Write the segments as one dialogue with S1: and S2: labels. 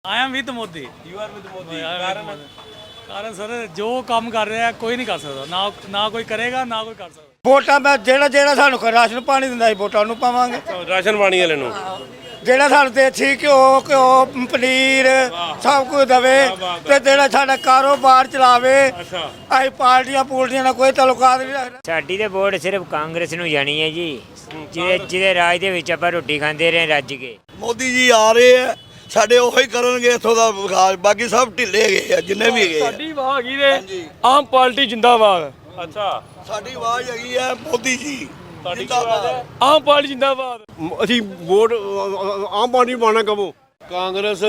S1: I am with Modi.
S2: You are with Modi.
S1: ਕਾਰਨ sir ਜੋ ਕੰਮ ਕਰ ਰਿਹਾ ਕੋਈ ਨਹੀਂ ਕਰ ਸਕਦਾ, ਨਾ ਕੋਈ ਕਰੇਗਾ ਨਾ ਕੋਈ ਕਰ ਸਕਦਾ।
S3: ਵੋਟਾਂ ਮੈਂ ਜਿਹੜਾ ਸਾਨੂੰ ਰਾਸ਼ਨ ਪਾਣੀ ਦਿੰਦਾ ਸੀ ਵੋਟਾਂ ਨੂੰ ਪਾਵਾਂਗੇ।
S2: ਰਾਸ਼ਨ ਪਾਣੀ ਵਾਲੇ ਨੂੰ
S3: ਜਿਹੜਾ ਸਾਨੂੰ ਦੇਸੀ ਘਿਓ ਪਨੀਰ ਸਭ ਕੁਝ ਦਵੇ ਤੇ ਜਿਹੜਾ ਸਾਡਾ ਕਾਰੋਬਾਰ ਚਲਾਵੇ। ਅਸੀਂ ਪਾਰਟੀਆਂ ਨਾਲ ਕੋਈ ਤਾਲੁਕਾਤ ਨਹੀਂ ਰੱਖਦਾ।
S4: ਸਾਡੀ ਤੇ ਵੋਟ ਸਿਰਫ ਕਾਂਗਰਸ ਨੂੰ ਜਾਣੀ ਹੈ ਜੀ, ਜਿਹਦੇ ਰਾਜ ਦੇ ਵਿੱਚ ਆਪਾਂ ਰੋਟੀ ਖਾਂਦੇ ਰਹੇ ਰੱਜ ਕੇ।
S5: ਮੋਦੀ ਜੀ ਆ ਰਹੇ ਆ, ਸਾਡੇ ਉਹੀ ਕਰਨਗੇ ਇੱਥੋਂ ਦਾ ਵਿਕਾਸ, ਬਾਕੀ ਸਭ ਢਿੱਲੇ ਗਏ ਆ ਜਿੰਨੇ ਵੀ ਗਏ।
S1: ਸਾਡੀ ਵਾਹ ਹੈਗੀ ਨੇ ਆਮ ਪਾਰਟੀ ਜਿੰਦਾਬਾਦ।
S2: ਅੱਛਾ,
S5: ਸਾਡੀ ਆਵਾਜ਼ ਹੈਗੀ ਆ ਮੋਦੀ ਜੀ
S2: ਜਿੰਦਾਬਾਦ।
S1: ਆਮ ਪਾਰਟੀ ਜਿੰਦਾਬਾਦ।
S6: ਅਸੀਂ ਵੋਟ ਆਮ ਪਾਰਟੀ ਪਾਣਾ ਕਬੋ ਕਾਂਗਰਸ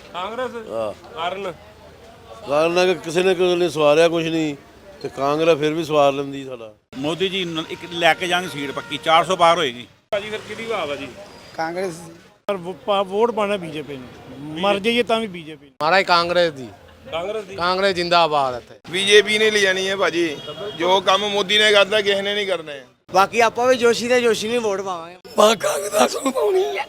S6: ਕਾਰਨ ਕਿ ਕਿਸੇ ਨੇ ਸਵਾਰਿਆ ਕੁਝ ਨਹੀਂ ਤੇ ਕਾਂਗਰਸ ਫਿਰ ਵੀ ਸਵਾਰ ਲੈਂਦੀ ਸਾਡਾ।
S7: ਮੋਦੀ ਜੀ ਇੱਕ ਲੈ ਕੇ ਜਾਣਗੇ ਸੀਟ ਪੱਕੀ 400 ਪਾਰ ਹੋਏਗੀ।
S2: ਭਾਜੀ ਫਿਰ ਕਿਹਦੀ ਭਾਵ ਆ ਜੀ?
S3: ਕਾਂਗਰਸ
S1: ਵੋਟ ਪਾਣਾ ਬੀਜੇਪੀ ਨੂੰ, ਮਰ ਜਾਈਏ ਤਾਂ ਵੀ ਬੀਜੇਪੀ।
S6: ਮਹਾਰਾਜ ਕਾਂਗਰਸ ਦੀ ਕਾਂਗਰਸ ਜਿੰਦਾਬਾਦ ਇੱਥੇ।
S8: ਬੀਜੇਪੀ ਨੇ ਲੈ ਜਾਣੀ ਹੈ ਭਾਜੀ, ਜੋ ਕੰਮ ਮੋਦੀ ਨੇ ਕਰਦਾ ਕਿਸੇ ਨੇ ਨਹੀਂ ਕਰਨੇ।
S3: ਬਾਕੀ ਆਪਾਂ ਵੀ ਜੋਸ਼ੀ ਨੂੰ ਵੋਟ ਪਾਵਾਂਗੇ। ਕਾਂਗਰਸ ਨੂੰ ਪਾਉਣੀ ਹੈ।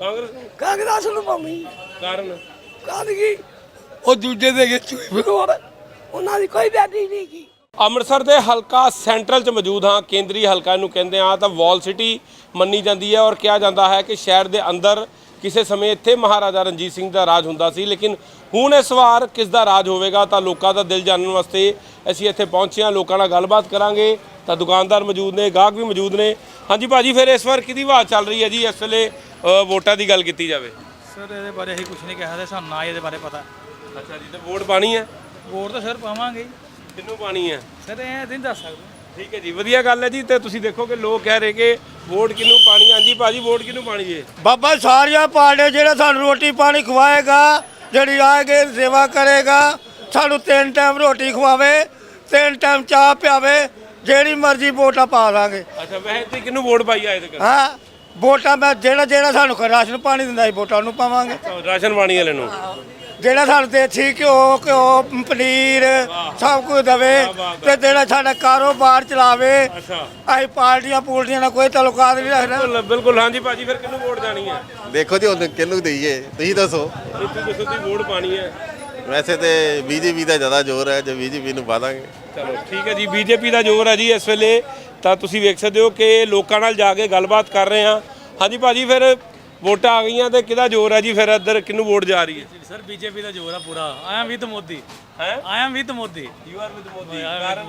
S3: ਕਾਂਗਰਸ ਨੂੰ ਪਾਉਣੀ
S2: ਕਾਰਨ
S3: ਕੀ ਉਹ ਦੂਜੇ ਦੇ ਕੇ ਚੂਈ ਬਗੋਰ ਉਹਨਾਂ ਦੀ ਕੋਈ ਵੈਲਿਊ ਨਹੀਂ ਕੀ।
S2: ਅੰਮ੍ਰਿਤਸਰ ਦੇ ਹਲਕਾ ਸੈਂਟਰਲ 'ਚ ਮੌਜੂਦ ਹਾਂ। ਕੇਂਦਰੀ ਹਲਕਾ ਇਹਨੂੰ ਕਹਿੰਦੇ ਆ ਤਾਂ ਵਾਲ ਸਿਟੀ ਮੰਨੀ ਜਾਂਦੀ ਹੈ ਔਰ ਕਿਹਾ ਜਾਂਦਾ ਹੈ ਕਿ ਸ਼ਹਿਰ ਦੇ ਅੰਦਰ ਕਿਸੇ ਸਮੇਂ ਇੱਥੇ ਮਹਾਰਾਜਾ ਰਣਜੀਤ ਸਿੰਘ ਦਾ ਰਾਜ ਹੁੰਦਾ ਸੀ। ਲੇਕਿਨ ਹੁਣ ਇਸ ਵਾਰ ਕਿਸ ਦਾ ਰਾਜ ਹੋਵੇਗਾ ਤਾਂ ਲੋਕਾਂ ਦਾ ਦਿਲ ਜਾਣਨ ਵਾਸਤੇ ਅਸੀਂ ਇੱਥੇ ਪਹੁੰਚੇ ਹਾਂ। ਲੋਕਾਂ ਨਾਲ ਗੱਲਬਾਤ ਕਰਾਂਗੇ ਤਾਂ ਦੁਕਾਨਦਾਰ ਮੌਜੂਦ ਨੇ, ਗਾਹਕ ਵੀ ਮੌਜੂਦ ਨੇ। ਹਾਂਜੀ ਭਾਜੀ, ਫਿਰ ਇਸ ਵਾਰ ਕਿਹਦੀ ਆਵਾਜ਼ ਚੱਲ ਰਹੀ ਹੈ ਜੀ ਇਸ ਵੇਲੇ ਵੋਟਾਂ ਦੀ ਗੱਲ ਕੀਤੀ ਜਾਵੇ?
S1: ਸਰ ਇਹਦੇ ਬਾਰੇ ਅਸੀਂ ਕੁਝ ਨਹੀਂ ਕਹਿ ਸਕਦੇ, ਸਾਨੂੰ ਨਾ ਇਹਦੇ ਬਾਰੇ ਪਤਾ।
S2: ਅੱਛਾ ਜੀ, ਤੇ ਵੋਟ ਪਾਣੀ ਹੈ?
S1: ਵੋਟ ਤਾਂ ਸਰ ਪਾਵਾਂਗੇ।
S2: ਕਿਹਨੂੰ ਪਾਣੀ ਹੈ
S1: ਸਰ ਇਹ ਨਹੀਂ ਦੱਸ ਸਕਦੇ।
S2: ਠੀਕ ਹੈ ਜੀ, ਵਧੀਆ ਗੱਲ ਹੈ ਜੀ। ਤੇ ਤੁਸੀਂ ਦੇਖੋ ਕਿ ਲੋਕ ਕਹਿ ਰਹੇ ਕਿ ਵੋਟ ਕਿਹਨੂੰ ਪਾਣੀ। ਹਾਂਜੀ ਭਾਜੀ, ਵੋਟ ਕਿਹਨੂੰ ਪਾਣੀ ਹੈ?
S3: ਬਾਬਾ ਸਾਰੀਆਂ ਪਾਰਟੀਆਂ ਜਿਹੜਾ ਸਾਨੂੰ ਰੋਟੀ ਪਾਣੀ ਖਵਾਏਗਾ, ਜਿਹੜੀ ਆਏਗੇ ਸੇਵਾ ਕਰੇਗਾ, ਸਾਨੂੰ 3 ਟਾਈਮ ਰੋਟੀ ਖਵਾਵੇ, 3 ਟਾਈਮ ਚਾਹ ਪਿਆਵੇ, ਜਿਹੜੀ ਮਰਜ਼ੀ ਵੋਟਾਂ ਪਾ ਦਾਂਗੇ।
S2: ਅੱਛਾ, ਵੈਸੇ ਤੇ ਕਿਹਨੂੰ ਵੋਟ ਪਾਈ ਆਏ ਤੇ
S3: ਹਾਂ ਵੋਟਾਂ ਮੈਂ ਜਿਹੜਾ ਸਾਨੂੰ ਰਾਸ਼ਨ ਪਾਣੀ ਦਿੰਦਾ ਸੀ ਵੋਟਾਂ ਨੂੰ ਪਾਵਾਂਗੇ।
S2: ਰਾਸ਼ਨ ਪਾਣੀ ਵਾਲੇ ਨੂੰ
S3: ਜਿਹੜਾ ਸਾਨੂੰ ਦੇਸੀ ਘਿਓ ਪਨੀਰ ਸਭ ਕੁਝ ਦਵੇ ਤੇ ਜਿਹੜਾ ਸਾਡਾ ਕਾਰੋਬਾਰ ਚਲਾਵੇ। ਅਸੀਂ ਪਾਰਟੀਆਂ ਨਾਲ ਕੋਈ ਤਾਲੁਕਾਤ ਨਹੀਂ ਰੱਖਦਾ।
S2: ਬਿਲਕੁਲ। ਹਾਂਜੀ ਭਾਜੀ, ਫਿਰ ਕਿਹਨੂੰ ਵੋਟ ਜਾਣੀ ਹੈ?
S9: ਦੇਖੋ ਜੀ ਹੁਣ ਕਿਹਨੂੰ ਦਈਏ, ਤੁਸੀਂ ਦੱਸੋ।
S2: ਤੁਸੀਂ ਦੱਸੋ ਤੁਸੀਂ ਵੋਟ ਪਾਣੀ ਹੈ?
S9: ਵੈਸੇ ਤੇ ਬੀਜੇਪੀ ਦਾ ਜ਼ਿਆਦਾ ਜ਼ੋਰ ਹੈ, ਜੇ ਬੀਜੇਪੀ ਨੂੰ ਪਾ ਦਾਂਗੇ।
S2: ਚਲੋ ਠੀਕ ਹੈ ਜੀ, ਬੀਜੇਪੀ ਦਾ ਜ਼ੋਰ ਹੈ ਜੀ ਇਸ ਵੇਲੇ। ਤਾਂ ਤੁਸੀਂ ਵੇਖ ਸਕਦੇ ਹੋ ਕਿ ਲੋਕਾਂ ਨਾਲ ਜਾ ਕੇ ਗੱਲਬਾਤ ਕਰ ਰਹੇ ਹਾਂ। ਹਾਂਜੀ ਭਾਜੀ, ਫਿਰ ਵੋਟਾਂ ਆ ਗਈਆਂ ਤੇ ਕਿਹਦਾ ਜ਼ੋਰ ਹੈ ਜੀ? ਫਿਰ ਇੱਧਰ ਕਿਹਨੂੰ ਵੋਟ ਜਾ ਰਹੀ ਹੈ?
S1: ਸਰ ਬੀਜੇਪੀ ਦਾ ਜ਼ੋਰ ਆ ਪੂਰਾ। I am with Modi.
S2: ਹੈ
S1: I am with Modi.
S2: You are with Modi.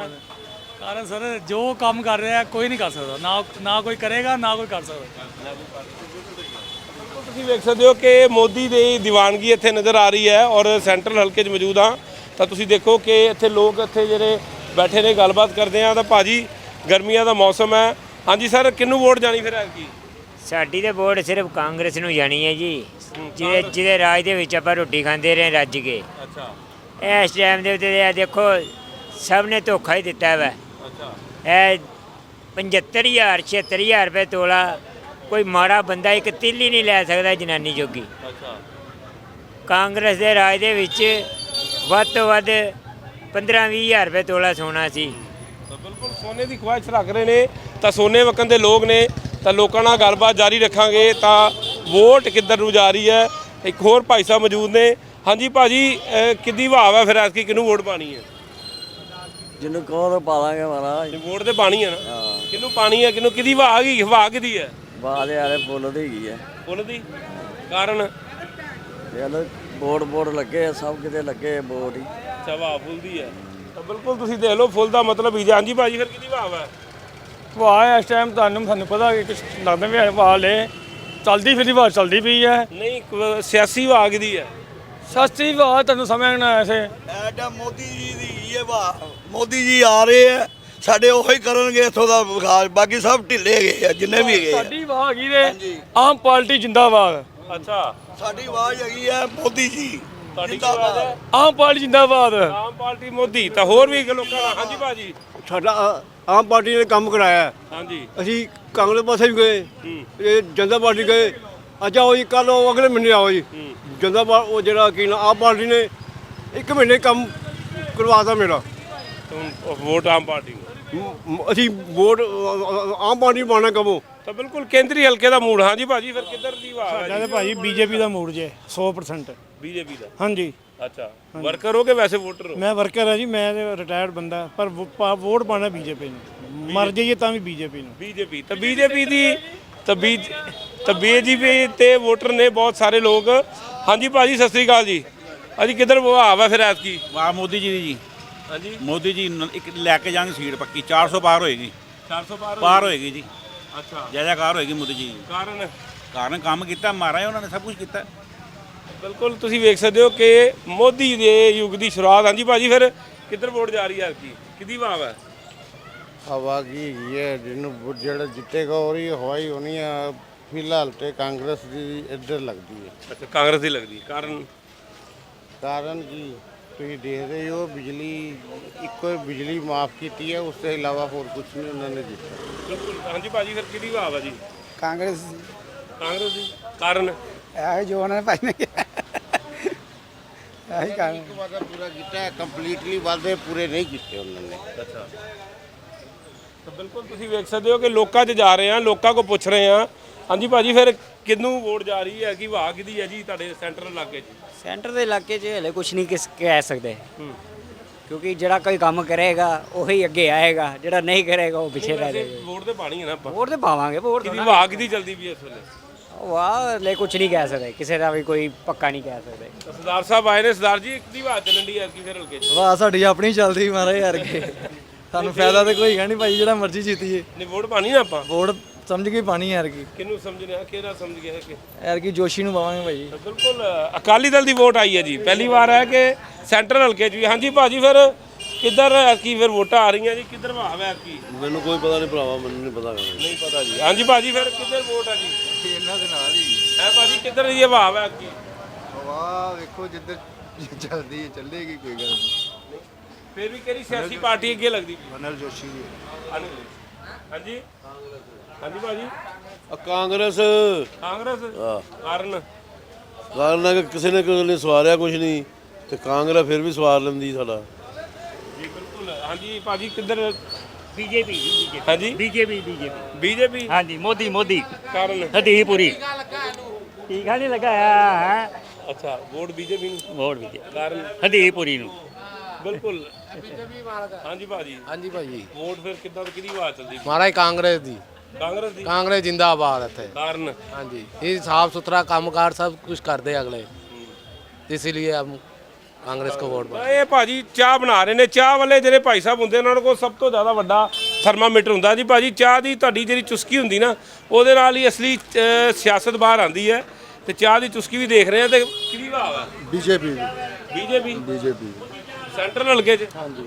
S1: ਕਾਰਨ ਸਰ ਜੋ ਕੰਮ ਕਰ ਰਿਹਾ ਕੋਈ ਨਹੀਂ ਕਰ ਸਕਦਾ, ਨਾ ਕੋਈ ਕਰੇਗਾ ਨਾ ਕੋਈ ਕਰ ਸਕਦਾ।
S2: ਤੁਸੀਂ ਵੇਖ ਸਕਦੇ ਹੋ ਕਿ ਮੋਦੀ ਦੀ ਦੀਵਾਨਗੀ ਇੱਥੇ ਨਜ਼ਰ ਆ ਰਹੀ ਹੈ ਔਰ ਸੈਂਟਰਲ ਹਲਕੇ 'ਚ ਮੌਜੂਦ ਹਾਂ। ਤਾਂ ਤੁਸੀਂ ਦੇਖੋ ਕਿ ਇੱਥੇ ਲੋਕ ਇੱਥੇ ਜਿਹੜੇ ਬੈਠੇ ਨੇ ਗੱਲਬਾਤ ਕਰਦੇ ਆ। ਤਾਂ ਭਾਜੀ, ਗਰਮੀਆਂ ਦਾ ਮੌਸਮ ਹੈ। ਹਾਂਜੀ ਸਰ, ਕਿਹਨੂੰ ਵੋਟ ਜਾਣੀ ਫਿਰ ਐਤਕੀ?
S4: ਸਾਡੀ ਤੇ ਵੋਟ ਸਿਰਫ ਕਾਂਗਰਸ ਨੂੰ ਜਾਣੀ ਹੈ ਜੀ, ਜਿਹਦੇ ਰਾਜ ਦੇ ਵਿੱਚ ਆਪਾਂ ਰੋਟੀ ਖਾਂਦੇ ਰਹੇ ਰੱਜ ਕੇ।
S2: ਅੱਛਾ,
S4: ਇਸ ਟਾਈਮ ਦੇ ਉੱਤੇ ਇਹ ਦੇਖੋ ਸਭ ਨੇ ਧੋਖਾ ਹੀ ਦਿੱਤਾ ਵਾ।
S2: ਅੱਛਾ,
S4: ਇਹ 75,000 76,000 ਰੁਪਏ ਤੋਲਾ ਕੋਈ ਮਾੜਾ ਬੰਦਾ ਇੱਕ ਤਿੱਲੀ ਨਹੀਂ ਲੈ ਸਕਦਾ ਜਨਾਨੀ ਜੋਗੀ।
S2: ਅੱਛਾ।
S4: ਕਾਂਗਰਸ ਦੇ ਰਾਜ ਦੇ ਵਿੱਚ ਵੱਧ ਤੋਂ ਵੱਧ 15-20,000 ਰੁਪਏ ਤੋਲਾ ਸੋਨਾ ਸੀ।
S2: ਤਾਂ ਬਿਲਕੁਲ ਸੋਨੇ ਦੀ ਖਵਾਇਸ਼ ਰੱਖ ਰਹੇ ਨੇ ਤਾਂ ਸੋਨੇ ਵਕਨ ਦੇ ਲੋਕ ਨੇ। ਤਾਂ ਲੋਕਾਂ ਨਾਲ ਗੱਲਬਾਤ ਜਾਰੀ ਰੱਖਾਂਗੇ ਤਾਂ ਵੋਟ ਕਿੱਧਰ ਨੂੰ ਜਾ ਰਹੀ ਹੈ। ਇੱਕ ਹੋਰ ਭਾਈ ਸਾਹਿਬ ਮੌਜੂਦ ਨੇ। ਹਾਂਜੀ ਭਾਜੀ, ਕਿੱਦੀ ਭਾਵ ਹੈ ਫਿਰ ਐਤਕੀ ਕਿਹਨੂੰ ਵੋਟ ਪਾਣੀ ਹੈ?
S3: ਜਿਹਨੂੰ ਕਹੋ ਤਾਂ ਪਾ ਦਾਂਗੇ ਮਹਾਰਾਜ।
S2: ਵੋਟ ਤੇ ਪਾਣੀ ਹੈ ਨਾ? ਕਿਹਨੂੰ ਪਾਣੀ ਹੈ? ਕਿਹਨੂੰ ਕਿਹਦੀ ਵਾਹ ਗਈ? ਹਵਾ ਕਿਹਦੀ ਹੈ?
S3: ਬਾਦ ਯਾਰੇ ਬੋਲ ਦੀ ਹੈਗੀ ਹੈ।
S2: ਫੁੱਲ ਦੀ ਕਾਰਨ
S3: ਯਾਰ ਬੋਰਡ ਲੱਗੇ ਆ, ਸਭ ਕਿਤੇ ਲੱਗੇ ਬੋਰਡ ਹੀ।
S2: ਅੱਛਾ, ਵਾਹ ਫੁੱਲ ਦੀ ਹੈ। ਤਾਂ ਬਿਲਕੁਲ ਤੁਸੀਂ ਦੇਖ ਲਓ ਫੁੱਲ ਦਾ ਮਤਲਬ ਹੀ। ਹਾਂਜੀ ਭਾਜੀ, ਫਿਰ ਕਿਹਦੀ ਭਾਵ ਹੈ?
S1: ਵਾਹ ਇਸ ਟਾਈਮ ਸਾਨੂੰ ਪਤਾ ਕਿ ਕੁਝ ਲੱਗਦਾ ਵੀ ਵਾਹ ਲੈ ਚੱਲਦੀ ਫਿਰਦੀ ਵਾਹ ਚੱਲਦੀ ਪਈ ਹੈ।
S2: ਨਹੀਂ, ਸਿਆਸੀ ਵਾਹ ਕਿਹਦੀ ਹੈ?
S1: ਸਸਤੀ ਵਾਹ ਤੁਹਾਨੂੰ ਸਮਝਣਾ ਐਸੇ।
S5: ਐਡਾ ਮੋਦੀ ਜੀ ਦੀ ਇਹ ਵਾ, ਮੋਦੀ ਜੀ ਆ ਰਹੇ ਆ, ਸਾਡੇ ਉਹੀ ਕਰਨਗੇ ਇੱਥੋਂ ਦਾ ਵਿਕਾਸ, ਬਾਕੀ ਸਭ ਢਿੱਲੇ ਗਏ ਆ ਜਿੰਨੇ ਵੀ ਗਏ।
S1: ਸਾਡੀ ਵਾਹ ਹੈਗੀ ਨੇ ਆਮ ਪਾਰਟੀ ਜਿੰਦਾਬਾਦ।
S2: ਅੱਛਾ,
S5: ਸਾਡੀ ਆਵਾਜ਼ ਹੈਗੀ ਆ ਮੋਦੀ ਜੀ
S2: ਜਿੰਦਾਬਾਦ ਹੈ।
S1: ਆਮ ਪਾਰਟੀ ਜਿੰਦਾਬਾਦ।
S2: ਆਮ ਪਾਰਟੀ ਮੋਦੀ। ਤਾਂ ਹੋਰ ਵੀ ਲੋਕਾਂ ਦਾ। ਹਾਂਜੀ ਭਾਜੀ,
S6: ਸਾਡਾ ਆਮ ਪਾਰਟੀ ਨੇ ਕੰਮ ਕਰਾਇਆ।
S2: ਹਾਂਜੀ,
S6: ਅਸੀਂ ਕਾਂਗਰਸ ਪਾਸੇ ਵੀ ਗਏ, ਇਹ ਜਨਤਾ ਪਾਰਟੀ ਗਏ। ਅੱਛਾ ਉਹ ਜੀ ਕੱਲ ਉਹ ਅਗਲੇ ਮਹੀਨੇ ਆਓ ਜੀ ਜਨਤਾ ਉਹ ਜਿਹੜਾ ਕੀ ਨਾ ਆਮ ਪਾਰਟੀ ਨੇ 1 ਮਹੀਨੇ ਕੰਮ ਕਰਵਾਤਾ ਮੇਰਾ।
S2: ਵੋਟ ਆਮ ਪਾਰਟੀ ਨੂੰ।
S6: ਅਸੀਂ ਵੋਟ ਆਮ ਪਾਰਟੀ ਪਾਣਾ ਕਬੋ।
S2: ਤਾਂ ਬਿਲਕੁਲ ਕੇਂਦਰੀ ਹਲਕੇ ਦਾ ਮੂਡ। ਹਾਂਜੀ ਭਾਜੀ, ਫਿਰ ਕਿੱਧਰ ਦੀ ਵਾਹ ਹੈ?
S1: ਭਾਜੀ ਬੀਜੇਪੀ ਦਾ ਮੂਡ ਜੇ 100%।
S2: ਬੀਜੇਪੀ ਦਾ
S1: ਹਾਂਜੀ
S2: ਅੱਛਾ ਵਰਕਰ ਹੋ ਕੇ ਵੈਸੇ ਵੋਟਰ ਹੋ
S1: ਮੈਂ ਵਰਕਰ ਹਾਂ ਜੀ, ਮੈਂ ਰਿਟਾਇਰਡ ਬੰਦਾ, ਪਰ ਵੋਟ ਪਾਣਾ ਬੀਜੇਪੀ ਨੂੰ, ਮਰ ਜਾਈਏ ਤਾਂ ਵੀ ਬੀਜੇਪੀ ਨੂੰ।
S2: ਬੀਜੇਪੀ ਤਾਂ ਬੀਜੇਪੀ ਦੀ ਤਾਂ ਬੀਜੇਪੀ ਤੇ ਵੋਟਰ ਨੇ ਬਹੁਤ ਸਾਰੇ ਲੋਕ। ਹਾਂਜੀ ਭਾਜੀ ਸਤਿ ਸ੍ਰੀ ਅਕਾਲ ਜੀ। ਅਜੀ ਕਿੱਧਰ ਵਹਾਵ ਹੈ ਫਿਰ ਐਤਕੀ?
S7: ਵਾਹ ਮੋਦੀ ਜੀ ਦੀ ਜੀ।
S2: ਹਾਂਜੀ
S7: ਮੋਦੀ ਜੀ ਇੱਕ ਲੈ ਕੇ ਜਾਣਗੇ ਸੀਟ ਪੱਕੀ 400 ਪਾਰ ਹੋਏਗੀ।
S2: 400
S7: ਪਾਰ ਹੋਏਗੀ ਜੀ।
S2: ਅੱਛਾ
S7: ਜੈਕਾਰ ਹੋਏਗੀ ਮੋਦੀ ਜੀ।
S2: ਕਾਰਨ
S7: ਕੰਮ ਕੀਤਾ ਮਾਰਾ ਉਹਨਾਂ ਨੇ ਸਭ ਕੁਝ ਕੀਤਾ।
S2: ਬਿਲਕੁਲ ਤੁਸੀਂ ਵੇਖ ਸਕਦੇ ਹੋ ਕਿ ਮੋਦੀ ਦੇ ਯੁੱਗ ਦੀ ਸ਼ੁਰੂਆਤ। ਹਾਂਜੀ ਭਾਜੀ ਫਿਰ ਕਿੱਧਰ ਵੋਟ ਜਾ ਰਹੀ ਹੈ ਐਤਕੀ? ਕਿਹਦੀ ਵਹਾਵ ਹੈ?
S10: ਹਵਾ ਕੀ ਹੈਗੀ ਹੈ, ਜਿਹਨੂੰ ਜਿਹੜਾ ਜਿੱਤੇਗਾ ਉਹਦੀ ਹਵਾਈ ਹੋਣੀ ਆ। ਫਿਲਹਾਲ ਤੇ ਕਾਂਗਰਸ ਦੀ ਇੱਧਰ ਲੱਗਦੀ ਹੈ।
S2: ਅੱਛਾ ਕਾਂਗਰਸ ਦੀ ਲੱਗਦੀ।
S10: ਕਾਰਨ ਕੀ ਤੁਸੀਂ ਦੇਖਦੇ ਹੋ, ਬਿਜਲੀ ਇੱਕੋ ਬਿਜਲੀ ਮਾਫ ਕੀਤੀ ਹੈ, ਉਸ ਤੋਂ ਇਲਾਵਾ ਹੋਰ ਕੁਝ ਨਹੀਂ ਉਹਨਾਂ ਨੇ ਦਿੱਤਾ।
S2: ਬਿਲਕੁਲ। ਹਾਂਜੀ ਭਾਜੀ ਫਿਰ ਕਿਹਦੀ ਵਹਾਵ ਹੈ ਜੀ?
S3: ਕਾਂਗਰਸ
S2: ਦੀ। ਕਾਰਨ
S3: ਇਹ ਜੋ ਉਹਨਾਂ ਨੇ ਭਾਈ ਨੇ ਇਹੀ ਕਾਰਨ।
S10: ਇੱਕ ਵਾਅਦਾ ਪੂਰਾ ਕੀਤਾ ਹੈ, ਕੰਪਲੀਟਲੀ ਵਾਅਦੇ ਪੂਰੇ ਨਹੀਂ ਕੀਤੇ ਉਹਨਾਂ ਨੇ।
S2: ਅੱਛਾ ਤਾਂ ਬਿਲਕੁਲ ਤੁਸੀਂ ਵੇਖ ਸਕਦੇ ਹੋ ਕਿ ਲੋਕਾਂ 'ਚ ਜਾ ਰਹੇ ਆ, ਲੋਕਾਂ ਕੋ ਪੁੱਛ ਰਹੇ ਆ। ਹਾਂਜੀ ਭਾਜੀ ਫਿਰ ਕਿਹਨੂੰ ਵੋਟ ਜਾ ਰਹੀ ਹੈ? ਕਿ ਵਾਹ ਕਿਹਦੀ ਹੈ ਜੀ ਤੁਹਾਡੇ ਸੈਂਟਰਲ ਇਲਾਕੇ 'ਚ?
S4: ਸੈਂਟਰ ਦੇ ਇਲਾਕੇ 'ਚ ਹਲੇ ਕੁਝ ਨਹੀਂ ਕਹਿ ਸਕਦੇ, ਕਿਉਂਕਿ ਜਿਹੜਾ ਕੋਈ ਕੰਮ ਕਰੇਗਾ ਉਹੀ ਅੱਗੇ ਆਏਗਾ, ਜਿਹੜਾ ਨਹੀਂ ਕਰੇਗਾ ਉਹ ਪਿੱਛੇ ਰਹਿ ਜਾਏਗਾ।
S2: ਵੋਟ ਤੇ ਪਾਣੀ ਹੈ ਨਾ ਆਪਾਂ।
S4: ਵੋਟ ਤੇ ਪਾਵਾਂਗੇ, ਵੋਟ
S2: ਕਿਹਦੀ ਵਾਹ ਕਿਹਦੀ ਜਲਦੀ ਵੀ ਇਸ ਵੇਲੇ?
S4: ਵਾਹ ਹਲੇ ਕੁਝ ਨਹੀਂ ਕਹਿ ਸਕਦੇ, ਕਿਸੇ ਦਾ ਵੀ ਕੋਈ ਪੱਕਾ ਨਹੀਂ ਕਹਿ ਸਕਦੇ।
S2: ਤਾਂ ਸਰਦਾਰ ਸਾਹਿਬ ਆਏ ਨੇ। ਸਰਦਾਰ ਜੀ ਕਿਹਦੀ ਵਾਹ ਚੱਲਣ ਦੀ ਐਤਕੀ ਫਿਰ ਹਲਕੇ 'ਚ?
S3: ਵਾਹ ਸਾਡੀ ਆਪਣੀ ਚੱਲਦੀ ਮਾਰੇ ਯਾਰ ਕੇ ਸਾਨੂੰ ਫਾਇਦਾ ਤੇ ਕੋਈ ਹੈ ਨਹੀਂ ਭਾਈ, ਜਿਹੜਾ ਮਰਜ਼ੀ ਜਿੱਤੀਏ।
S2: ਨਹੀਂ ਵੋਟ ਪਾਣੀ ਨਾ ਆਪਾਂ?
S3: ਵੋਟ ਸਮਝ ਕੇ ਪਾਣੀ ਯਾਰ ਕੀ,
S2: ਕਿਹਨੂੰ ਸਮਝਣਾ? ਕਿਹੜਾ ਸਮਝ ਗਿਆ ਕਿ
S3: ਯਾਰ ਕੀ ਜੋਸ਼ੀ ਨੂੰ ਪਾਵਾਂਗੇ ਭਾਈ।
S2: ਬਿਲਕੁਲ ਅਕਾਲੀ ਦਲ ਦੀ ਵੋਟ ਆਈ ਹੈ ਜੀ। ਪਹਿਲੀ ਵਾਰ ਹੈ ਕਿ ਸੈਂਟਰਲ ਹਲਕੇ 'ਚ ਵੀ। ਹਾਂਜੀ ਭਾਜੀ ਫਿਰ ਕਿੱਧਰ ਐਤਕੀ ਫਿਰ ਵੋਟਾਂ ਆ ਰਹੀਆਂ ਜੀ? ਕਿੱਧਰ ਵਾਹ ਹੈ ਐਤਕੀ?
S6: ਮੈਨੂੰ ਕੋਈ ਪਤਾ ਨਹੀਂ ਭਰਾਵਾ, ਮੈਨੂੰ ਨਹੀਂ ਪਤਾ।
S2: ਨਹੀਂ ਪਤਾ ਜੀ। ਹਾਂਜੀ ਭਾਜੀ ਫਿਰ ਕਿੱਧਰ ਵੋਟ ਹੈ ਜੀ?
S3: ਇਹਨਾਂ ਦੇ ਨਾਲ ਹੀ
S2: ਹੈ ਭਾਜੀ ਕਿੱਧਰ ਦੀ ਵਾਹ ਹੈ ਐਤਕੀ?
S3: ਵਾਹ ਵੇਖੋ ਜਿੱਧਰ ਚੱਲਦੀ ਹੈ ਚੱਲੇਗੀ, ਕੋਈ ਗੱਲ ਨਹੀਂ।
S2: ਫਿਰ ਵੀ ਕਿਹੜੀ ਸਿਆਸੀ ਪਾਰਟੀ ਅੱਗੇ ਲੱਗਦੀ?
S3: ਅਨਿਲ ਜੋਸ਼ੀ ਜੀ।
S2: ਹਾਂਜੀ ਹਾਂਜੀ ਭਾਜੀ
S6: ਕਾਂਗਰਸ
S2: ਕਾਰਨ
S6: ਕਿ ਕਿਸੇ ਨੇ ਸਵਾਰਿਆ ਕੁਝ ਨਹੀਂ ਤੇ ਕਾਂਗਰਸ ਫਿਰ ਵੀ ਸਵਾਰ ਲੈਂਦੀ ਸਾਡਾ
S2: ਜੀ। ਬਿਲਕੁਲ। ਹਾਂਜੀ ਭਾਜੀ ਕਿੱਧਰ?
S4: ਬੀਜੇਪੀ
S2: ਹਾਂਜੀ ਬੀਜੇਪੀ।
S4: ਹਾਂਜੀ ਮੋਦੀ
S2: ਕਾਰਨ
S4: ਹਦੀ ਪੂਰੀ ਟੀਕਾ ਨਹੀਂ ਲਗਾਇਆ ਹੈ।
S2: ਅੱਛਾ ਵੋਟ ਬੀਜੇਪੀ ਨੂੰ।
S4: ਵੋਟ ਬੀਜੇਪੀ
S2: ਕਾਰਨ
S4: ਹਦੀ ਪੂਰੀ ਨੂੰ।
S2: ਬਿਲਕੁਲ। ਹਾਂਜੀ ਭਾਜੀ ਵੋਟ ਫਿਰ ਕਿੱਦਾਂ ਕਿਹਦੀ ਆਵਾਜ਼ ਚੱਲਦੀ?
S10: ਮਹਾਰਾਜ ਕਾਂਗਰਸ ਦੀ, ਕਾਂਗਰਸ ਜਿੰਦਾਬਾਦ ਇੱਥੇ।
S2: ਕਾਰਨ
S10: ਹਾਂਜੀ ਇਹ ਸਾਫ ਸੁਥਰਾ ਕੰਮਕਾਰ ਸਭ ਕੁਝ ਕਰਦੇ ਅਗਲੇ, ਇਸ ਲਈ ਹਮ ਕਾਂਗਰਸ ਕੋ ਵੋਟ।
S2: ਇਹ ਭਾਜੀ ਚਾਹ ਬਣਾ ਰਹੇ ਨੇ। ਚਾਹ ਵਾਲੇ ਜਿਹੜੇ ਭਾਈ ਸਾਹਿਬ ਹੁੰਦੇ ਉਹਨਾਂ ਕੋਲ ਸਭ ਤੋਂ ਜ਼ਿਆਦਾ ਵੱਡਾ ਥਰਮਾਮੀਟਰ ਹੁੰਦਾ ਜੀ ਭਾਜੀ। ਚਾਹ ਦੀ ਤੁਹਾਡੀ ਜਿਹੜੀ ਚੁਸਕੀ ਹੁੰਦੀ ਨਾ, ਉਹਦੇ ਨਾਲ ਹੀ ਅਸਲੀ ਸਿਆਸਤ ਬਾਹਰ ਆਉਂਦੀ ਹੈ। ਤੇ ਚਾਹ ਦੀ ਚੁਸਕੀ ਵੀ ਦੇਖ ਰਹੇ ਆ। ਤੇ ਕਿਹਦੀ ਭਾਵ ਹੈ? ਬੀਜੇਪੀ ਸੈਂਟਰਲ ਹਲਕੇ 'ਚ। ਹਾਂਜੀ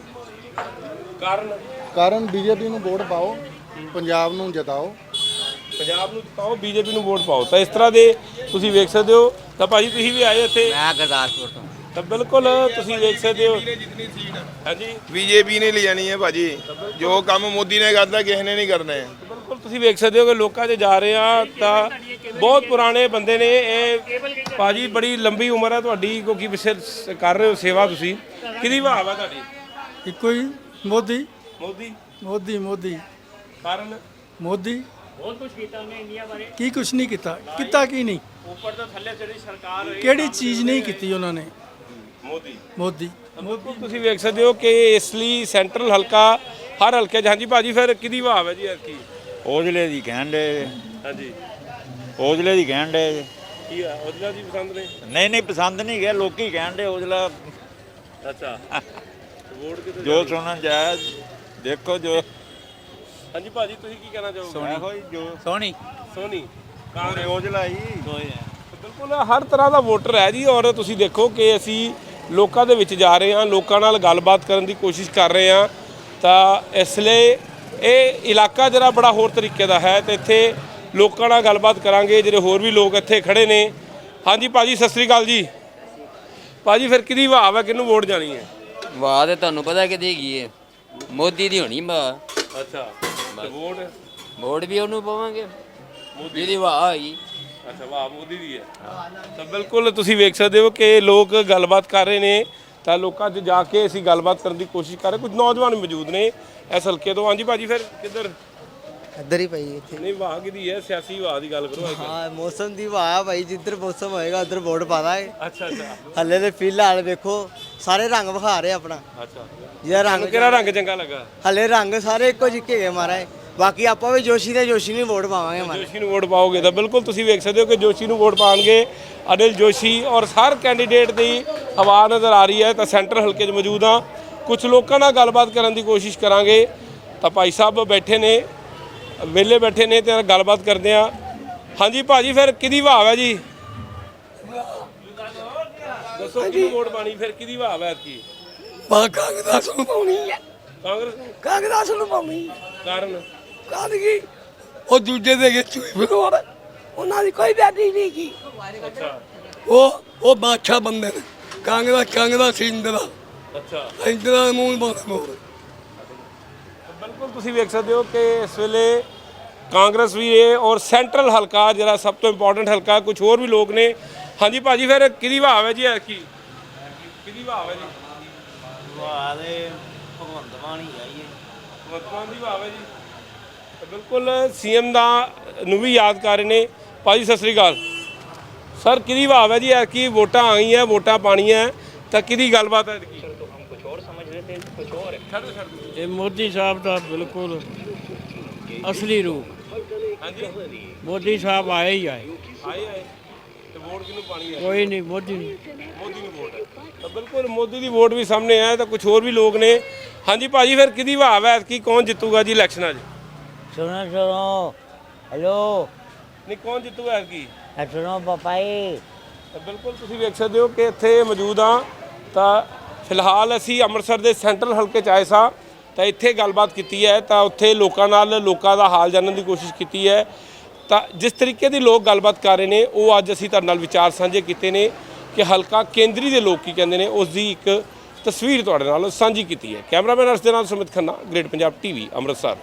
S3: ਕਾਰਨ ਬੀਜੇਪੀ ਨੂੰ ਵੋਟ ਪਾਓ, ਪੰਜਾਬ ਨੂੰ ਜਿਤਾਓ।
S2: ਬੀਜੇਪੀ ਨੂੰ ਵੋਟ ਪਾਓ। ਤਾਂ ਇਸ ਤਰ੍ਹਾਂ ਦੇ ਤੁਸੀਂ ਵੇਖ ਸਕਦੇ ਹੋ। ਤਾਂ ਭਾਜੀ ਤੁਸੀਂ ਵੀ ਆਏ ਇੱਥੇ?
S4: ਮੈਂ ਗੁਰਦਾਸਪੁਰ ਤੋਂ।
S2: ਤਾਂ ਬਿਲਕੁਲ ਤੁਸੀਂ ਵੇਖ ਸਕਦੇ ਹੋ। ਹਾਂਜੀ
S8: ਬੀਜੇਪੀ ਨੇ ਲੈ ਜਾਣੀ ਹੈ ਭਾਜੀ। ਜੋ ਕੰਮ ਮੋਦੀ ਨੇ ਕਰਦਾ ਕਿਸੇ ਨੇ ਨਹੀਂ ਕਰਨਾ ਹੈ।
S2: ਬਿਲਕੁਲ ਤੁਸੀਂ ਵੇਖ ਸਕਦੇ ਹੋ ਕਿ ਲੋਕਾਂ 'ਚ ਜਾ ਰਹੇ ਆ। ਤਾਂ ਬਹੁਤ ਪੁਰਾਣੇ ਬੰਦੇ ਨੇ ਇਹ ਭਾਜੀ। ਬੜੀ ਲੰਬੀ ਉਮਰ ਹੈ ਤੁਹਾਡੀ, ਕਿਉਂਕਿ ਪਿੱਛੇ ਕਰ ਰਹੇ ਹੋ ਸੇਵਾ ਤੁਸੀਂ। ਕਿਹਦੀ ਭਾਵ ਹੈ ਤੁਹਾਡੀ?
S3: ਇੱਕੋ ਹੀ ਮੋਦੀ।
S2: ਮੋਦੀ ਕਾਰਨ
S3: ਮੋਦੀ
S4: ਬਹੁਤ ਕੁਝ ਕੀਤਾ ਉਹਨੇ ਇੰਡੀਆ ਬਾਰੇ।
S3: ਕੀ ਕੁਛ ਨਹੀਂ ਕੀਤਾ ਕੀ ਨਹੀਂ,
S2: ਉੱਪਰ ਤੋਂ ਥੱਲੇ ਜਿਹੜੀ ਸਰਕਾਰ ਹੋਈ
S3: ਕਿਹੜੀ ਚੀਜ਼ ਨਹੀਂ ਕੀਤੀ ਉਹਨਾਂ ਨੇ। ਮੋਦੀ
S2: ਤੁਸੀਂ ਵੇਖ ਸਕਦੇ ਹੋ ਕਿ ਇਸ ਲਈ ਸੈਂਟਰਲ ਹਲਕਾ ਹਰ ਹਲਕੇ 'ਚ। ਹਾਂਜੀ ਭਾਜੀ ਫਿਰ ਕਿਹਦੀ ਭਾਵ ਹੈ ਜੀ ਐਤਕੀ?
S7: ਔਜਲੇ ਦੀ ਕਹਿਣ ਦੇ।
S2: ਹਾਂਜੀ
S7: ਔਜਲੇ ਦੀ ਕਹਿਣ ਦੇ।
S2: ਕੀ ਆ ਔਜਲਾ ਜੀ ਪਸੰਦ ਨੇ?
S7: ਨਹੀਂ ਪਸੰਦ ਨਹੀਂ ਗਿਆ, ਲੋਕੀ ਕਹਿਣ ਦੇ ਔਜਲਾ।
S2: ਅੱਛਾ ਵੋਟ ਕਿਤੇ
S7: ਜੋ ਸੁਣਨ ਜਾਇਆ ਦੇਖੋ ਜੋ।
S2: ਹਾਂਜੀ ਭਾਜੀ ਤੁਸੀਂ ਕੀ ਕਹਿਣਾ ਚਾਹੋਗੇ?
S7: ਸੋਹਣੀ
S2: ਕਾਂਗਰਸ
S7: ਔਜਲਾ ਹੀ।
S2: ਬਿਲਕੁਲ ਹਰ ਤਰ੍ਹਾਂ ਦਾ ਵੋਟਰ ਹੈ ਜੀ। ਔਰ ਤੁਸੀਂ ਦੇਖੋ ਕਿ ਅਸੀਂ ਲੋਕਾਂ ਦੇ ਵਿੱਚ ਜਾ ਰਹੇ ਹਾਂ, ਲੋਕਾਂ ਨਾਲ ਗੱਲਬਾਤ ਕਰਨ ਦੀ ਕੋਸ਼ਿਸ਼ ਕਰ ਰਹੇ ਹਾਂ। ਤਾਂ ਇਸ ਲਈ ਇਹ ਇਲਾਕਾ ਜਿਹੜਾ ਬੜਾ ਹੋਰ ਤਰੀਕੇ ਦਾ ਹੈ। ਤੇ ਇੱਥੇ ਲੋਕਾਂ ਨਾਲ ਗੱਲਬਾਤ ਕਰਾਂਗੇ, ਜਿਹੜੇ ਹੋਰ ਵੀ ਲੋਕ ਇੱਥੇ ਖੜੇ ਨੇ। ਹਾਂਜੀ ਭਾਜੀ ਸਤਿ ਸ੍ਰੀ ਅਕਾਲ ਜੀ। ਭਾਜੀ ਫਿਰ ਕਿਹਦੀ ਭਾਵ ਹੈ, ਕਿਹਨੂੰ ਵੋਟ ਜਾਣੀ ਹੈ?
S11: ਵਾਹ ਤੇ ਤੁਹਾਨੂੰ ਪਤਾ ਕਿਹਦੀ ਹੈਗੀ ਹੈ? ਮੋਦੀ ਦੀ ਹੋਣੀ ਵਾਹ।
S2: ਅੱਛਾ
S11: ਵੋਟ ਵੀ ਉਹਨੂੰ ਪਾਵਾਂਗੇ ਜਿਹਦੀ ਵਾਹ ਹੈਗੀ।
S2: ਅੱਛਾ ਵਾਹ ਮੋਦੀ ਦੀ ਹੈ। ਤਾਂ ਬਿਲਕੁਲ ਤੁਸੀਂ ਵੇਖ ਸਕਦੇ ਹੋ ਕਿ ਲੋਕ ਗੱਲਬਾਤ ਕਰ ਰਹੇ ਨੇ। ਤਾਂ ਲੋਕਾਂ 'ਚ ਜਾ ਕੇ ਅਸੀਂ ਗੱਲਬਾਤ ਕਰਨ ਦੀ ਕੋਸ਼ਿਸ਼ ਕਰ ਰਹੇ। ਕੁਝ ਨੌਜਵਾਨ ਮੌਜੂਦ ਨੇ ਇਸ ਹਲਕੇ ਤੋਂ। ਹਾਂਜੀ ਭਾਜੀ ਫਿਰ ਕਿੱਧਰ
S3: ਇੱਧਰ ਹੀ ਪਈ ਇੱਥੇ
S2: ਨਹੀਂ ਵਾਹ ਕਿਹਦੀ ਹੈ, ਸਿਆਸੀ ਵਾਹ ਦੀ ਗੱਲ ਕਰੋ ਅੱਜ ਕੱਲ੍ਹ।
S3: ਹਾਂ ਮੌਸਮ ਦੀ ਵਾਹ ਭਾਈ, ਜਿੱਧਰ ਮੌਸਮ ਹੋਏਗਾ ਉਧਰ ਵੋਟ ਪਾ ਦਾਂਗੇ।
S2: ਅੱਛਾ ਅੱਛਾ
S3: ਹੱਲੇ ਤੇ ਫਿਲਹਾਲ ਵੇਖੋ ਸਾਰੇ ਰੰਗ ਵਿਖਾ ਰਹੇ ਆਪਣਾ,
S2: ਅੱਛਾ
S3: ਜਿਹਦਾ ਰੰਗ
S2: ਤੁਹਾਨੂੰ ਕਿਹੜਾ ਰੰਗ ਚੰਗਾ ਲੱਗਾ?
S3: ਹੱਲੇ ਰੰਗ ਸਾਰੇ ਇੱਕੋ ਜਿਹੇ ਹੈਗੇ ਮਹਾਰਾਜ। ਬਾਕੀ ਆਪਾਂ ਵੀ ਜੋਸ਼ੀ ਤੇ ਜੋਸ਼ੀ ਨੂੰ ਵੋਟ ਪਾਵਾਂਗੇ ਮਹਾਰਾਜ।
S2: ਜੋਸ਼ੀ ਨੂੰ ਵੋਟ ਪਾਓਗੇ ਤਾਂ ਬਿਲਕੁਲ ਤੁਸੀਂ ਵੇਖ ਸਕਦੇ ਹੋ ਕਿ ਜੋਸ਼ੀ ਨੂੰ ਵੋਟ ਪਾਣਗੇ ਅਨਿਲ ਜੋਸ਼ੀ, ਔਰ ਹਰ ਕੈਂਡੀਡੇਟ ਦੀ ਹਵਾ ਨਜ਼ਰ ਆ ਰਹੀ ਹੈ। ਤਾਂ ਸੈਂਟਰ ਹਲਕੇ 'ਚ ਮੌਜੂਦ ਹਾਂ, ਕੁਝ ਲੋਕਾਂ ਨਾਲ ਗੱਲਬਾਤ ਕਰਨ ਦੀ ਕੋਸ਼ਿਸ਼ ਕਰਾਂਗੇ। ਤਾਂ ਭਾਈ ਸਾਹਿਬ ਬੈਠੇ ਨੇ, ਵਿਹਲੇ ਬੈਠੇ ਨੇ, ਤੇ ਗੱਲਬਾਤ ਕਰਦੇ ਆ। ਹਾਂਜੀ ਭਾਜੀ, ਫਿਰ ਕਿਹਦੀ ਭਾਵ ਹੈ ਜੀ? ਦੱਸੋ ਕਿਹਨੂੰ ਵੋਟ ਪਾਣੀ, ਫਿਰ ਕਿਹਦੀ ਭਾਵ ਹੈ ਕੀ?
S3: ਕਾਂਗਰਸ ਨੂੰ ਪਾਉਣੀ ਹੈ,
S2: ਕਾਂਗਰਸ ਨੂੰ?
S3: ਕਾਂਗਰਸ ਨੂੰ ਪਾਉਣੀ
S2: ਕਾਰਨ?
S3: ਕਾਦਗੀ ਉਹ ਦੂਜੇ ਦੇ ਕੇ ਚੂਈ ਬਗੋਰ, ਉਹਨਾਂ ਦੀ ਕੋਈ ਵੈਲਿਊ ਨਹੀਂ ਕੀ।
S2: ਅੱਛਾ
S3: ਉਹ ਬਾਦਸ਼ਾਹ ਬੰਦੇ ਨੇ, ਕਾਂਗਰਸ ਇੰਦਰਾ
S2: ਅੱਛਾ
S3: ਇੰਦਰਾ ਮੂੰਹ ਬੰਦ ਮੋਰ।
S2: ਬਿਲਕੁਲ ਤੁਸੀਂ ਵੇਖ ਸਕਦੇ ਹੋ ਕਿ ਇਸ ਵੇਲੇ ਕਾਂਗਰਸ ਵੀ ਹੈ, ਔਰ ਸੈਂਟਰਲ ਹਲਕਾ ਜਿਹੜਾ ਸਭ ਤੋਂ ਇੰਪੋਰਟੈਂਟ ਹਲਕਾ, ਕੁਝ ਹੋਰ ਵੀ ਲੋਕ ਨੇ। ਹਾਂਜੀ ਭਾਜੀ, ਫਿਰ ਕਿਹਦੀ ਭਾਵ ਹੈ ਜੀ? ਕੀ ਕਿਹਦੀ ਭਾਵ ਹੈ ਜੀ?
S3: ਵਾਹ ਦੇ ਭਗਵੰਤ ਮਾਨ ਹੀ ਆਈਏ,
S2: ਭਗਵੰਤ ਮਾਨ ਦੀ ਭਾਵ ਹੈ ਜੀ। ਤਾਂ ਬਿਲਕੁਲ ਸੀਐਮ ਦਾ ਨੂੰ ਵੀ ਯਾਦ ਕਰ ਰਹੇ ਨੇ। ਭਾਜੀ ਸਤਿ ਸ੍ਰੀ ਅਕਾਲ ਸਰ, ਕਿਹਦੀ ਭਾਵ ਹੈ ਜੀ? ਕੀ ਵੋਟਾਂ ਆ ਗਈਆਂ, ਵੋਟਾਂ ਪਾਣੀਆਂ, ਤਾਂ ਕਿਹਦੀ ਗੱਲਬਾਤ ਹੈ?
S1: ਇਹ ਮੋਦੀ ਸਾਹਿਬ ਦਾ ਬਿਲਕੁਲ ਅਸਲੀ ਰੂਪ।
S2: ਹਾਂਜੀ
S1: ਮੋਦੀ ਸਾਹਿਬ ਆਏ ਹੀ ਆਏ,
S2: ਆਏ ਤੇ ਵੋਟ ਕਿਹਨੂੰ ਪਾਣੀ ਹੈ?
S1: ਕੋਈ ਨਹੀਂ ਮੋਦੀ
S2: ਮੋਦੀ ਨੂੰ ਵੋਟ ਹੈ। ਤਾਂ ਬਿਲਕੁਲ ਮੋਦੀ ਦੀ ਵੋਟ ਵੀ ਸਾਹਮਣੇ ਆਇਆ। ਤਾਂ ਕੁਝ ਹੋਰ ਵੀ ਲੋਕ ਨੇ। ਹਾਂਜੀ ਭਾਜੀ, ਫਿਰ ਕਿਹਦੀ ਭਾਵ ਹੈ ਕਿ ਕੌਣ ਜਿੱਤੂਗਾ ਜੀ ਇਲੈਕਸ਼ਨਾਂ 'ਚ?
S4: ਸੁਣੋ ਹੈਲੋ
S2: ਨਹੀਂ, ਕੌਣ ਜਿੱਤੂਗਾ ਕੀ?
S4: ਸੁਣੋ ਪਾਪਾਈ।
S2: ਤਾਂ ਬਿਲਕੁਲ ਤੁਸੀਂ ਵੇਖ ਸਕਦੇ ਹੋ ਕਿ ਇੱਥੇ ਮੌਜੂਦ ਹਾਂ। ਤਾਂ ਫਿਲਹਾਲ ਅਸੀਂ ਅੰਮ੍ਰਿਤਸਰ ਦੇ ਸੈਂਟਰਲ ਹਲਕੇ 'ਚ ਆਏ ਸਾਂ, ਤਾਂ ਇੱਥੇ ਗੱਲਬਾਤ ਕੀਤੀ ਹੈ। ਤਾਂ ਉੱਥੇ ਲੋਕਾਂ ਨਾਲ ਲੋਕਾਂ ਦਾ ਹਾਲ ਜਾਣਨ ਦੀ ਕੋਸ਼ਿਸ਼ ਕੀਤੀ ਹੈ। ਤਾਂ ਜਿਸ ਤਰੀਕੇ ਦੀ ਲੋਕ ਗੱਲਬਾਤ ਕਰ ਰਹੇ ਨੇ, ਉਹ ਅੱਜ ਅਸੀਂ ਤੁਹਾਡੇ ਨਾਲ ਵਿਚਾਰ ਸਾਂਝੇ ਕੀਤੇ ਨੇ ਕਿ ਹਲਕਾ ਕੇਂਦਰੀ ਦੇ ਲੋਕ ਕੀ ਕਹਿੰਦੇ ਨੇ, ਉਸ ਦੀ ਇੱਕ ਤਸਵੀਰ ਤੁਹਾਡੇ ਨਾਲ ਸਾਂਝੀ ਕੀਤੀ ਹੈ। ਕੈਮਰਾਮੈਨ ਅਰਸ਼ ਦੇ ਨਾਲ ਸੁਮਿਤ ਖੰਨਾ, ਗ੍ਰੇਟ ਪੰਜਾਬ ਟੀਵੀ, ਅੰਮ੍ਰਿਤਸਰ।